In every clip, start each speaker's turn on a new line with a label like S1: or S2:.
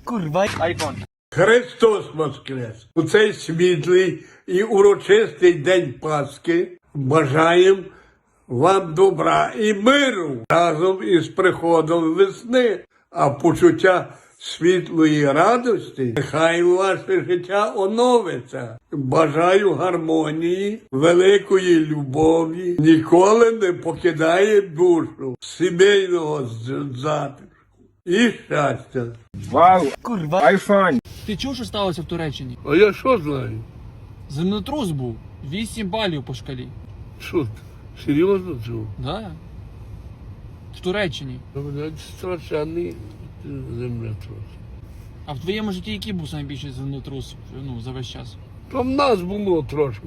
S1: Kurwa, iPhone.
S2: Христос Воскрес! У цей світлий і урочистий день Пасхи бажаємо вам добра і миру разом із приходом весни, а почуття світлої радості нехай ваше життя оновиться. Бажаю гармонії, великої любові, ніколи не покидає душу, сімейного затишку і щастя.
S3: Вау,
S1: Kurwa.
S3: айфон.
S4: Ти чув, що сталося в Туреччині?
S2: А я що знаю?
S4: Землетрус був. 8 балів по шкалі.
S2: Що ти? Серйозно чув?
S4: Да. В Туреччині.
S2: Страшенний землетрус.
S4: А в твоєму житті який був найбільший землетрус, ну, за весь час?
S2: То в нас було трошки.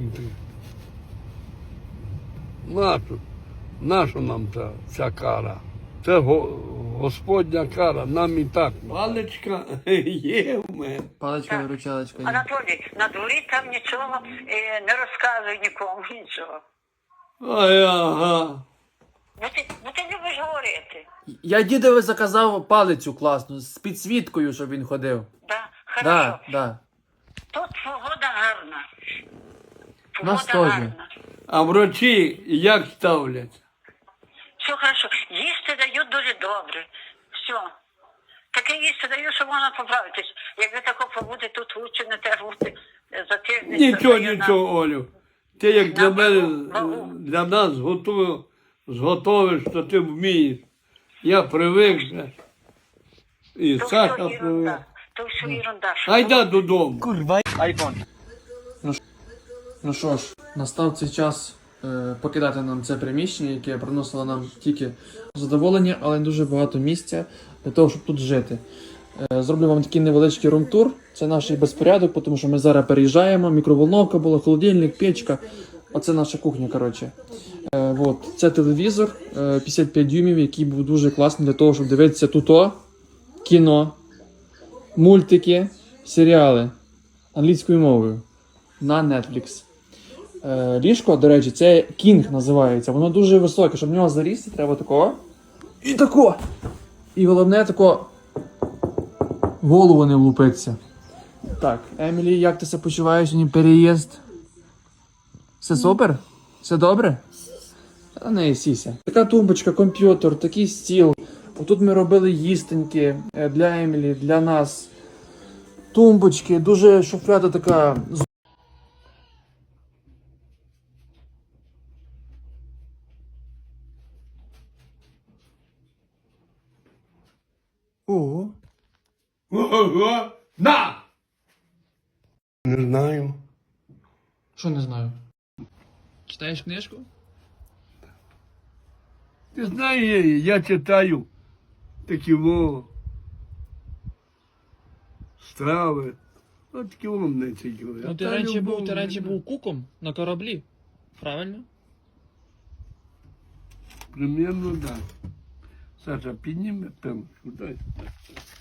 S2: Наша нам ця кара. Це Господня кара, нам і так. Паличка є в мене.
S4: Паличка, виручалочка.
S5: Анатолій, на дворі там нічого не розказуй нікому, нічого.
S2: Ага.
S5: Бо ти любиш говорити.
S4: Я дідові заказав палицю класну, з підсвіткою, щоб він ходив.
S5: Да, хорошо.
S4: Да.
S5: Тут погода гарна.
S4: Нас
S5: Погода
S4: теж.
S5: гарна.
S2: А врачі як ставлять?
S5: Все хорошо. Їсти дають дуже добре. Все. Таке їсти дають, що можна поправитись. Якби тако побути тут лучше не те бути за тиждень.
S2: Нічого, Олю. Ти як для
S5: На
S2: мене,
S5: вагу.
S2: для нас зготовиш, що ти вмієш. Я привик вже. І
S5: То
S2: Саша
S5: все
S2: привик.
S5: ерунда. То все ерунда.
S2: Айда додому.
S1: Kurwa, iPhone.
S4: Ну що ж, настав цей час покидати нам це приміщення, яке приносило нам тільки задоволення, але не дуже багато місця для того, щоб тут жити. Зроблю вам такий невеличкий рум-тур. Це наш безпорядок, тому що ми зараз переїжджаємо. Мікроволновка була, холодильник, печка. Оце наша кухня, коротше. Це телевізор 55 дюймів, який був дуже класний для того, щоб дивитися тут кіно, мультики, серіали англійською мовою на Netflix. Ліжко, до речі, це King називається. Воно дуже високе, щоб в нього залізти, треба такого. І тако. І головне тако в голову не влупитися. Так, Емілі, як ти себе почуваєш сьогодні переїзд? Все супер? Все добре? Та не сіся. Така тумбочка, комп'ютер, такий стіл. Отут ми робили їстеньки для Емілі, для нас. Тумбочки, дуже шуфляда така.
S1: Ого.
S2: Ого! На! Не знаю.
S4: Що не знаю? Читаєш книжку?
S2: Ти знаєш, я читаю такі страви. От такі мене цікаві.
S4: Ну ти раніше був куком на кораблі. Правильно?
S2: Примерно так. Саша, підніми пенку, дай.